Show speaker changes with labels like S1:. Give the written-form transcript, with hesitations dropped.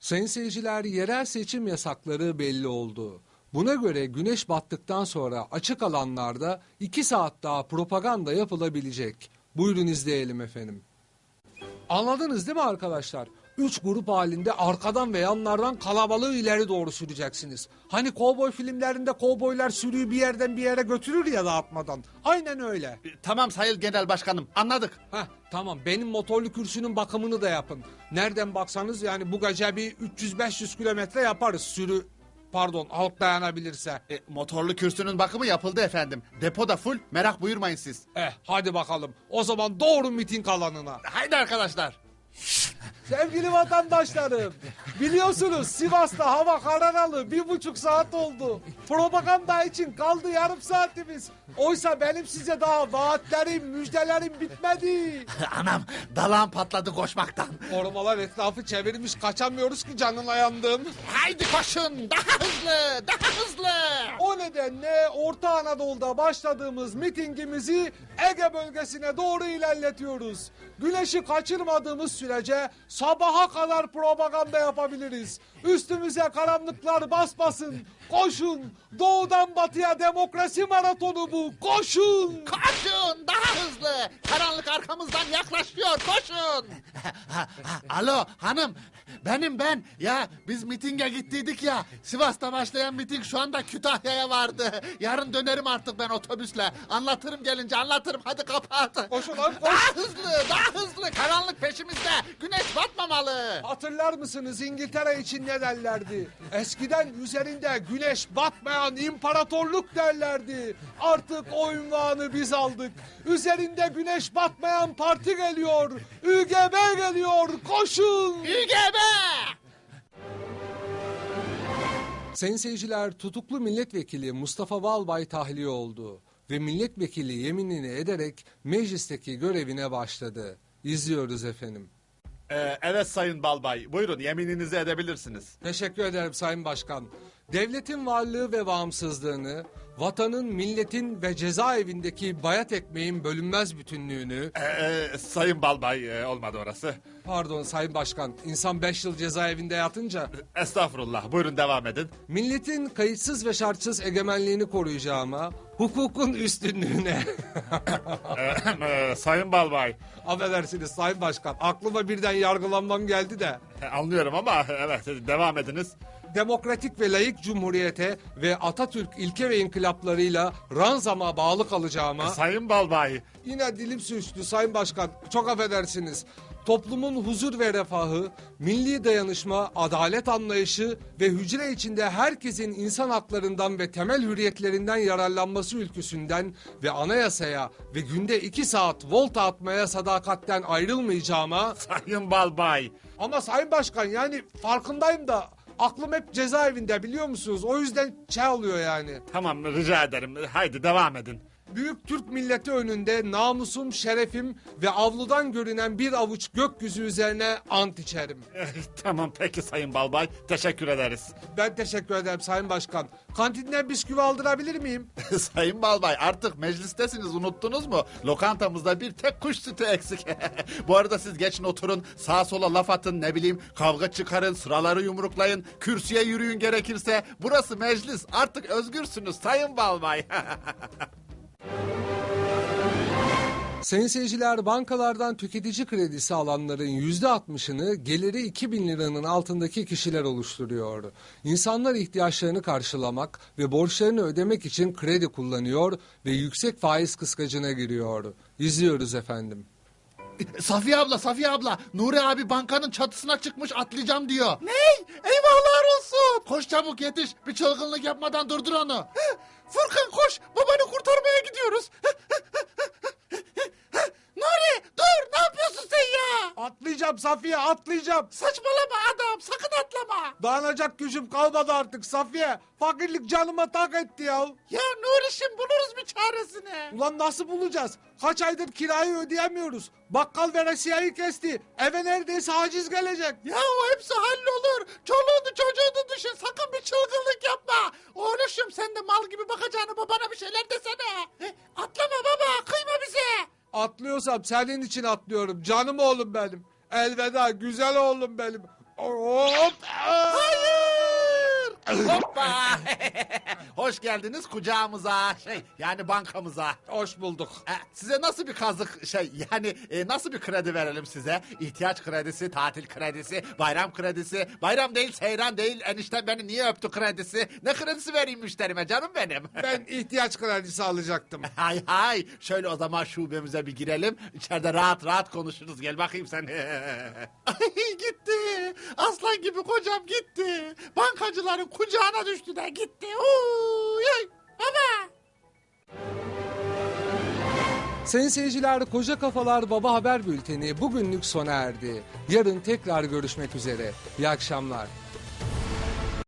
S1: Sayın seyirciler, yerel seçim yasakları belli oldu. Buna göre güneş battıktan sonra açık alanlarda 2 saat daha propaganda yapılabilecek. Buyurun izleyelim efendim. Anladınız değil mi arkadaşlar? 3 grup halinde arkadan ve yanlardan kalabalığı ileri doğru süreceksiniz. Hani kovboy filmlerinde kovboylar sürüyü bir yerden bir yere götürür ya dağıtmadan. Aynen öyle.
S2: Tamam Sayın Genel Başkanım, anladık.
S1: Tamam, benim motorlu kürsünün bakımını da yapın. Nereden baksanız yani bu gece bir 300-500 kilometre yaparız sürü. Pardon, halk dayanabilirse.
S2: Motorlu kürsünün bakımı yapıldı efendim. Depo da full, merak buyurmayın siz.
S1: Hadi bakalım. O zaman doğru miting alanına.
S2: Haydi arkadaşlar.
S1: Sevgili vatandaşlarım, biliyorsunuz Sivas'ta hava kararalı 1,5 saat oldu. Propaganda için kaldı yarım saatimiz. Oysa benim size daha vaatlerim, müjdelerim bitmedi.
S2: Anam, dalağım patladı koşmaktan.
S1: Korumalar etrafı çevirmiş, kaçamıyoruz ki, canına yandım.
S2: Haydi koşun, daha hızlı, daha hızlı.
S1: O nedenle Orta Anadolu'da başladığımız mitingimizi Ege bölgesine doğru ilerletiyoruz. Güneşi kaçırmadığımız sürece sabaha kadar propaganda yapabiliriz. Üstümüze karanlıklar basmasın. Koşun. Doğudan batıya demokrasi maratonu bu. Koşun.
S2: Koşun, daha hızlı. Karanlık arkamızdan yaklaşıyor, koşun. Alo hanım, benim ben. Ya biz mitinge gittiydik ya. Sivas'ta başlayan miting şu anda Kütahya'ya vardı. Yarın dönerim artık ben otobüsle. Anlatırım gelince, anlatırım. Hadi kapat.
S1: Koşun lan, koş.
S2: Daha hızlı, daha hızlı. Karanlık peşimizde. Güneş batmamalı.
S1: Hatırlar mısınız İngiltere için ne derlerdi? Eskiden üzerinde güneş batmayan imparatorluk derlerdi. Artık o ünvanı biz aldık. Üzerinde güneş batmayan parti geliyor. ÜGB geliyor. Koşun.
S2: ÜGB!
S1: Sayın seyirciler, tutuklu milletvekili Mustafa Balbay tahliye oldu ve milletvekili yeminini ederek meclisteki görevine başladı. İzliyoruz efendim.
S2: Evet Sayın Balbay, buyurun yemininizi edebilirsiniz.
S1: Teşekkür ederim Sayın Başkan. Devletin varlığı ve bağımsızlığını, vatanın, milletin ve cezaevindeki bayat ekmeğin bölünmez bütünlüğünü...
S2: Sayın Balbay, olmadı orası.
S1: Pardon Sayın Başkan, insan 5 yıl cezaevinde yatınca...
S2: Estağfurullah, buyurun devam edin.
S1: Milletin kayıtsız ve şartsız egemenliğini koruyacağıma, hukukun üstünlüğüne...
S2: Sayın Balbay.
S1: Affedersiniz Sayın Başkan, aklıma birden yargılanmam geldi de...
S2: Anlıyorum ama evet, devam ediniz.
S1: Demokratik ve layık cumhuriyete ve Atatürk ilke ve inkılaplarıyla ranzama bağlı kalacağıma...
S2: Sayın Balbay.
S1: Yine dilim sürçtü Sayın Başkan, çok affedersiniz. Toplumun huzur ve refahı, milli dayanışma, adalet anlayışı ve hücre içinde herkesin insan haklarından ve temel hürriyetlerinden yararlanması ülküsünden ve anayasaya ve günde 2 saat volta atmaya sadakatten ayrılmayacağıma...
S2: Sayın Balbay.
S1: Ama Sayın Başkan, yani farkındayım da aklım hep cezaevinde, biliyor musunuz? O yüzden oluyor yani.
S2: Tamam, rica ederim. Haydi devam edin.
S1: Büyük Türk milleti önünde namusum, şerefim ve avludan görünen bir avuç gökyüzü üzerine ant içerim.
S2: Tamam peki Sayın Balbay, teşekkür ederiz.
S1: Ben teşekkür ederim Sayın Başkan. Kantinden bisküvi aldırabilir miyim?
S2: Sayın Balbay, artık meclistesiniz, unuttunuz mu? Lokantamızda bir tek kuş sütü eksik. Bu arada siz geçin oturun, sağa sola laf atın, ne bileyim kavga çıkarın, sıraları yumruklayın, kürsüye yürüyün gerekirse. Burası meclis, artık özgürsünüz Sayın Balbay.
S1: Sayın seyirciler, bankalardan tüketici kredisi alanların %60'ını geliri 2.000 liranın altındaki kişiler oluşturuyor. İnsanlar ihtiyaçlarını karşılamak ve borçlarını ödemek için kredi kullanıyor ve yüksek faiz kıskacına giriyor. İzliyoruz efendim.
S2: Safiye abla, Nuri abi bankanın çatısına çıkmış, atlayacağım diyor. Ney? Eyvahlar olsun. Koş çabuk yetiş, bir çılgınlık yapmadan durdur onu. Furkan koş, babanı kurtarmaya gidiyoruz. Nuri dur, ne yapıyorsun sen ya?
S1: Atlayacağım Safiye, atlayacağım.
S2: Saçmalama adam, sakın atlama.
S1: Dayanacak gücüm kalmadı artık Safiye. Fakirlik canıma tak etti ya.
S2: Ya Nuri'şim, buluruz bir çaresini.
S1: Ulan nasıl bulacağız? Kaç aydır kirayı ödeyemiyoruz. Bakkal veresiyeyi kesti. Eve neredeyse haciz gelecek.
S2: Ya o hepsi hallolur. Çoluğunu çocuğunu düşün, sakın bir çılgınlık yapma. Oğluşum, sen de mal gibi bakacağını babana bir şeyler desene. Atlama baba, kıyma bize.
S1: Atlıyorsam senin için atlıyorum. Canım oğlum benim. Elveda güzel oğlum benim.
S2: Hop! Hayır! Hoppa! Hoş geldiniz kucağımıza. Yani bankamıza.
S1: Hoş bulduk.
S2: Size nasıl bir kazık nasıl bir kredi verelim size? İhtiyaç kredisi, tatil kredisi, bayram kredisi. Bayram değil, seyran değil. Enişte beni niye öptü kredisi? Ne kredisi vereyim müşterime canım benim?
S1: Ben ihtiyaç kredisi alacaktım.
S2: Hay. Şöyle o zaman şubemize bir girelim. İçeride rahat rahat konuşuruz. Gel bakayım sen. Ay gitti. Aslan gibi kocam gitti. Bankacıların kucağına düştü de gitti. Uy, baba.
S1: Sayın seyirciler, Koca Kafalar Baba Haber Bülteni bugünlük sona erdi. Yarın tekrar görüşmek üzere. İyi akşamlar.